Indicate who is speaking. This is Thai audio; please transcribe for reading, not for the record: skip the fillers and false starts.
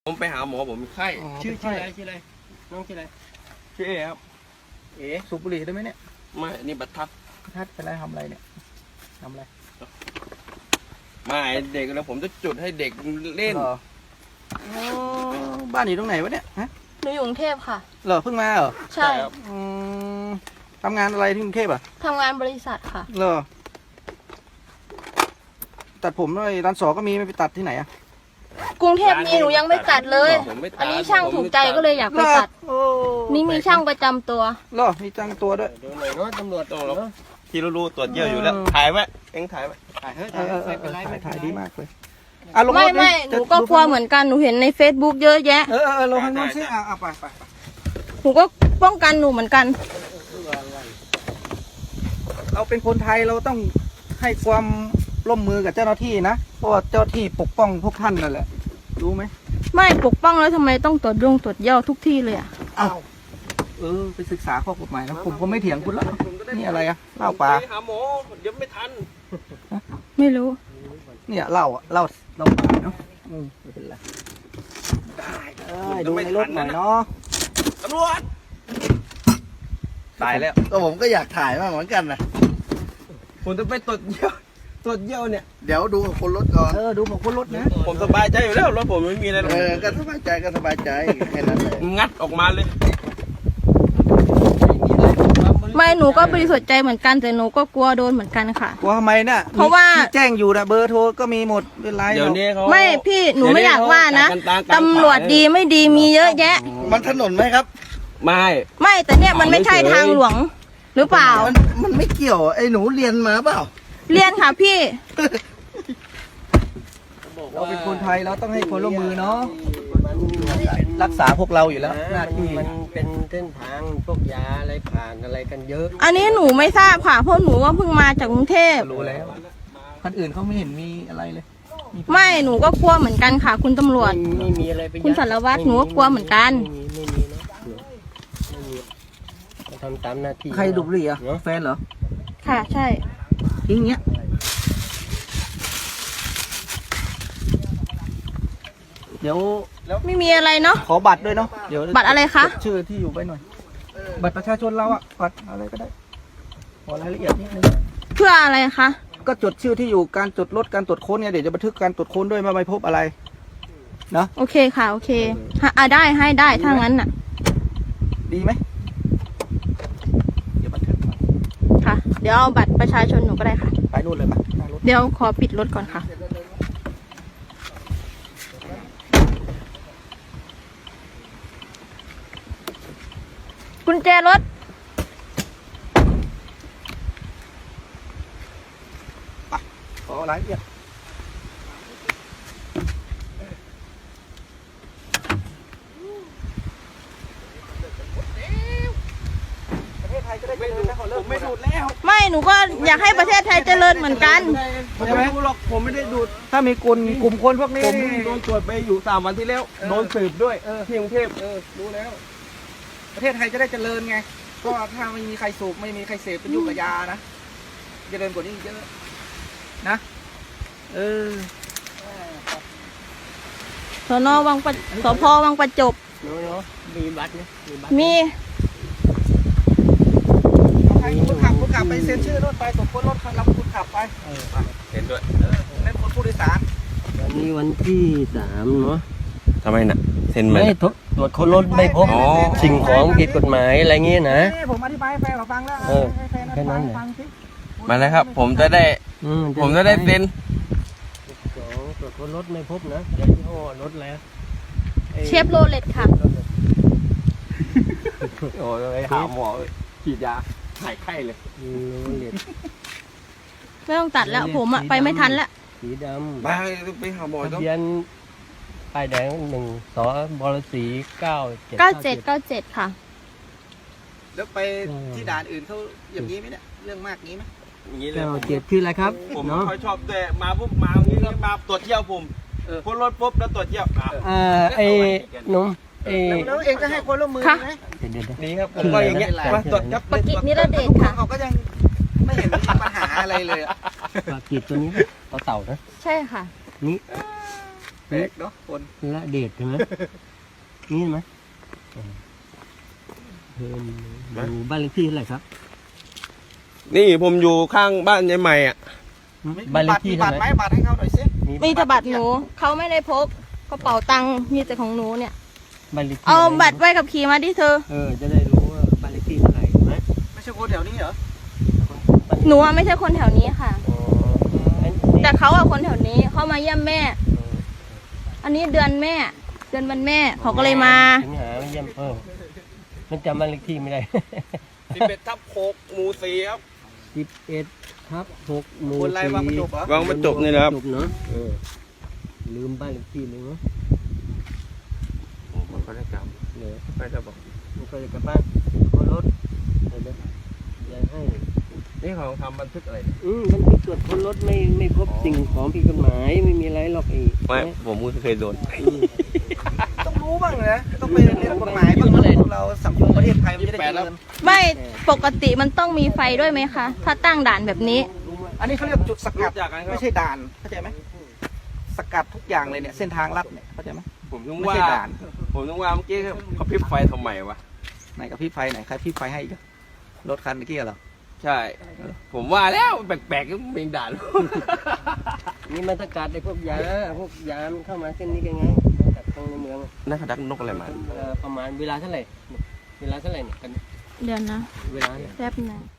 Speaker 1: ผมไปหาหมอผมมีไข้
Speaker 2: ชื่ออะไรน้องชื่ออะไร
Speaker 1: ชื่อเอครับ
Speaker 2: สูบบุหรี่ได้ไหมเนี่ย
Speaker 1: ไม่นี่บัตรทัด
Speaker 2: เป็นไรทำอะไรเนี่ยทำอะไร
Speaker 1: ไม่เด็กแล้วผมจะจุดให้เด็กเล่น
Speaker 2: บ้านอยู่ตรงไหนวะเนี่ยฮะ
Speaker 3: หนูอยู่กรุงเทพค่ะ
Speaker 2: เหรอเพิ่งมาเหรอ
Speaker 3: ใช่
Speaker 2: ทำงานอะไรที่กรุงเทพอ่ะ
Speaker 3: ทำงานบริษัทค่ะ
Speaker 2: เหรอตัดผมด้วยร้านสอก็มีไม่ไปตัดที่ไหนอ่ะ
Speaker 3: กรุงเทพมีหนูยังไม่ตัดเลยอันนี้ช่างถูกใจก็เลยอยากไปตัดนี่มีช่างประจำตัว
Speaker 2: เหรอมีจ้างตัวด้วย
Speaker 1: ดูหน่อยเนาะตำรวจต้องหรอที่รู้ตรวจเยอะอยู่แล้วถ่ายไว้เอ็งถ่ายไว้
Speaker 2: ถ่ายดีมากเลย
Speaker 3: ไม่หนูก็กลัวเหมือนกันหนูเห็นใน Facebook เยอะแยะ
Speaker 2: ลงให้น้องซิเอาไป
Speaker 3: หนูก็ป้องกันหนูเหมือนกัน
Speaker 2: เราเป็นคนไทยเราต้องให้ความร่วมมือกับเจ้าหน้าที่นะเพราะว่าเจ้าหน้าที่ปกป้องพวกท่านนั่นแหละรู้ไหม
Speaker 3: ไม่ปกป้องแล้วทำไมต้องตรวจเยี่ยวทุกที่เลยอ่ะ
Speaker 2: อ้าวไปศึกษาข้อกฎหมายนะผมก็ไม่เถียงคุณแล้วนี่อะไรอะเหล้าปลา
Speaker 1: หาหมอเดี๋ยวไม่ทัน
Speaker 3: ไม่รู้
Speaker 2: เนี่ยเหล้าปลาเนาะไม่เป็นไรได้ดูในรถหน่อยเนาะ
Speaker 1: ตำรวจตายแล้ว
Speaker 2: ก็ผมก็อยากถ่ายมากเหมือนกันนะ
Speaker 1: ผมจะไปตรวจเยี่ยวเนี่ย
Speaker 2: เดี๋ยวดูของคนรถก่อนดูของคนรถนะ
Speaker 1: ผมสบายใจอยู่แล้วรถผมไม่มีอะไร
Speaker 2: ก็สบายใจแค่นั้นเลย
Speaker 1: งัดออกมาเลย
Speaker 3: ไม่หนูก็บริสุทธิ์ใจเหมือนกันแต่หนูก็กลัวโดนเหมือนกันค่ะ
Speaker 2: กลัวทำไมน่ะ
Speaker 3: เพราะว่า
Speaker 2: แจ้งอยู่นะเบอร์โทรก็มีหมดเป็นไร
Speaker 1: เดี๋ยวนี้เขา
Speaker 3: ไม่พี่หนูไม่อยากว่านะตำรวจดีไม่ดีมีเยอะแยะ
Speaker 2: มันถนนไหมครับ
Speaker 3: ไม่แต่เนี่ยมันไม่ใช่ทางหลวงหรือเปล่า
Speaker 2: มันไม่เกี่ยวไอ้หนูเรียนมาเปล่า
Speaker 3: เรียนค่ะพี่
Speaker 2: เราเป็นคนไทยเราต้องให้ความร่วมมือเนาะรักษาพวกเราอยู่แล้วหน้าที่
Speaker 4: มันเป็นเส้นทางพวกยาอะไรผ่านอะไรกันเยอะ
Speaker 3: อันนี้หนูไม่ทราบค่ะเพราะหนูว่าเพิ่งมาจากกรุงเทพ
Speaker 2: รู้แล้วคนอื่นเขาไม่เห็นมีอะไรเลย
Speaker 3: ไม่หนูก็กลัวเหมือนกันค่ะคุณตำรวจ
Speaker 4: ไม่มีอะไรไป
Speaker 3: คุณสารวัตรหนูก็กลัวเหมือนกัน
Speaker 4: ไม่มีนะไม่มีทำตามหน้าที่
Speaker 2: ใครดูบุหรี่อ่ะแฟนเหรอ
Speaker 3: ค่ะใช่
Speaker 2: ทิ้งเงี้ยเดี๋ยว
Speaker 3: ไม่มีอะไรเนาะ
Speaker 2: ขอบัตรด้วยเนาะเดี๋ยว
Speaker 3: บัตรอะไรคะ
Speaker 2: ชื่อที่อยู่ไปหน่อยบัตรประชาชนเราอะบัตรอะไรก็ได้ขอรายละเอียดนิดนึง
Speaker 3: เพื่ออะไรคะ
Speaker 2: ก็จดชื่อที่อยู่การจดรถการตรวจค้นเนี่ยเดี๋ยวจะบันทึกการตรวจค้นด้วยว่าไม่พบอะไรเนาะ
Speaker 3: โอเคค่ะโอเคได้ให้ได้ถ้างั้นน่ะ
Speaker 2: ดีไหมเดี๋ยวบันทึก
Speaker 3: ค่ะเดี๋ยวเอาบัตรประชาชนหนูก็ได้ค่ะ
Speaker 2: ไปนู่นเลยปะ
Speaker 3: เดี๋ยวขอปิดรถก่อนค่ะกุญแจรถ
Speaker 2: ขอรายละเอียดประเทศไทยจะได้เจริญนะขอเลิกไม่ดูดแล้ว
Speaker 3: ไม่หนูก็อยากให้ประเทศไทยเจริญเหมือนกัน
Speaker 1: ไม่ดูหรอกผมไม่ได้ดูด
Speaker 2: ถ้ามีกลุ่มคนพวกนี้
Speaker 1: ผมโดนตรวจไปอยู่3 วันที่แล้วโดนสืบด้วยที่กรุงเทพ
Speaker 2: รู้แล้วประเทศไทยจะได้เจริญไงก็ถ้าไม่มีใครสูบไม่มีใครเสพเป็นยุคกับยานะเจริญกว่านี้เยอะนะ
Speaker 3: สน.วังสพ.วังประจบ
Speaker 4: มีบัตรไหม
Speaker 3: มี
Speaker 2: คุณขับไปเซ็นชื่อรถไปตรวจค้นรถรับคุณขับไป
Speaker 1: เห็นด้วย
Speaker 2: เล่นคนผู้โดยสาร
Speaker 4: วันนี้วันที่3เนาะ
Speaker 1: ทำไมน่ะเซ็น
Speaker 4: ไม่ตรวจค้นรถไม่พบสิ่งของผิดกฎหมายอะไรเงี้ยนะ
Speaker 2: ผมอธิบายให้แฟนฟังแล้ว
Speaker 4: แค่นั้นแหละ
Speaker 1: มาเลยครับผมจะได้เซ็น
Speaker 4: ตรวจค้นรถไม่พบนะยี่ห้อรถแล้ว
Speaker 3: เชฟโรเลตค่ะ
Speaker 1: โอ้ยหาหมอฉีดยาหายไข้เลย
Speaker 3: ไม่ต้องตัดแล้วผมไปไม่ทันแล้ว
Speaker 4: สีดำ
Speaker 1: ไปหาหมอต้อง
Speaker 4: ทะเบียนป้ายแดง1 สบลศรี
Speaker 3: 9797ค่ะ
Speaker 2: แล้วไปที่ด่านอื่นเขาอย่างนี้ไหมเนี่ยเรื่องมากนี้ไหม
Speaker 1: อย่างนี้เลย
Speaker 4: 97ชื่ออะไรครับ
Speaker 1: ผมไม่ค่อยชอบแต่มาปุ๊บมาอย่างนี้มาตรวจเที่ยวผมพ้นรถปุ๊บแล้วตรวจเที่ยว
Speaker 4: ไอ้นุ่ม
Speaker 2: แล้วเองจะให้คนร่วมมือไหม
Speaker 1: นี่ครับผมก็อย่างเงี้ยมาตรวจครับ
Speaker 3: ปกิจนิรเดชค่ะ
Speaker 2: เขาก็ยังไม่เห็นมีปัญหาอะไรเลย
Speaker 4: ปกิจตัวนี้เต่านะ
Speaker 3: ใช่ค่ะ
Speaker 4: นี่
Speaker 2: แปลกเนาะคน
Speaker 4: ละเดชใช่ไหมนี่ไหมเพิ่มดูบ้านเลขที่เท่าไหร่ครับ
Speaker 1: นี่ผมอยู่ข้างบ้านยายใหม่อ่ะ
Speaker 4: บ้านเลขที่
Speaker 2: มี
Speaker 4: เท่า
Speaker 2: บัตร
Speaker 4: ไห
Speaker 2: ไหม
Speaker 4: ร่
Speaker 2: บัตรให้เขาหน่อยสิ
Speaker 3: มีแต่บัตรหนูเขาไม่ได้พกกระเป๋าตังค์มีแต่ของหนูเนี่ย
Speaker 4: บ้านเลขที่
Speaker 3: เอาบัตรใบขับขี่มาดิเธอ
Speaker 4: จะได้รู้ว่าบ้านเลขที่เท่าไหร่ใช่ไหม
Speaker 2: ไม่ใช่คนแถวนี้เหรอ
Speaker 3: หนูอะไม่ใช่คนแถวนี้ค่ะ
Speaker 4: อ๋ออัน
Speaker 3: แต่เขาอะคนแถวนี้เขามาเยี่ยมแม่ อันนี้เดือนแม่ เดือนวันแม่เขาก็เลยมา
Speaker 4: สิงหาไม่เยี่ยมมันจำบ้านเลขที่ไม่ได้
Speaker 1: 11/6 หมู่ 4 ครับ
Speaker 4: 11/6 หมู่
Speaker 2: คนไรวางประจบเหรอ
Speaker 1: วางประจบนี่นะครับ
Speaker 4: จบเนาะลืมบ้านเลขที่เลยเนาะ
Speaker 1: ผมก็ได้กลับ
Speaker 4: เดี๋ยว
Speaker 1: ไม่ได้บอก
Speaker 4: มันก็จะกลับบ้านก็รถเดี๋ยวอย่าให้
Speaker 1: นี่เขาทำบันทึกอะไร
Speaker 4: มันไปตรวจค้นรถไม่พบสิ่งของผิดกฎหมายไม่มีอะไรหรอกไอ้
Speaker 1: ไม่ผมก็เคยโดน
Speaker 2: ต้องรู้บ้างนะต้องไปเรียนกฎหมายบ้างนะเราสังคมประเทศไทยมันจะได้เจริญ
Speaker 3: ไม่ปกติมันต้องมีไฟด้วยไหมคะ ถ้าตั้งด่านแบบนี้
Speaker 2: อันนี้เขาเรียกจุดสกัด
Speaker 1: รู้จักกันครับ
Speaker 2: ไม่ใช่ด่านเข้าใจไหมสกัดทุกอย่างเลยเนี่ยเส้นทางลัดเนี่ยเข้าใจไหม
Speaker 1: ผมต้อง
Speaker 2: ไม่
Speaker 1: ว่า
Speaker 2: ใช่ด่าน
Speaker 1: ผมต้องว่าเมื่อกี้เขาพริบไฟทำไมวะ
Speaker 2: ไหนกับพี่ไฟไหนใครพี่ไฟให้อีกอะรถคันเมื่อกี้เหรอ
Speaker 1: ใช่ ผมว่าแล้วแปลกๆก็เป็นด่าน
Speaker 4: นี่มันสกัดไอ้พวกยามันเข้ามาเส้นนี้กันไงมาจากทางในเมือง
Speaker 1: นั่นเขาดักนกอะไรมา
Speaker 4: ประมาณเวลาเท่าไหร่เนี่ยกัน
Speaker 3: เดือนนะ
Speaker 4: เวลาเนี่ย
Speaker 3: แป๊บหนึง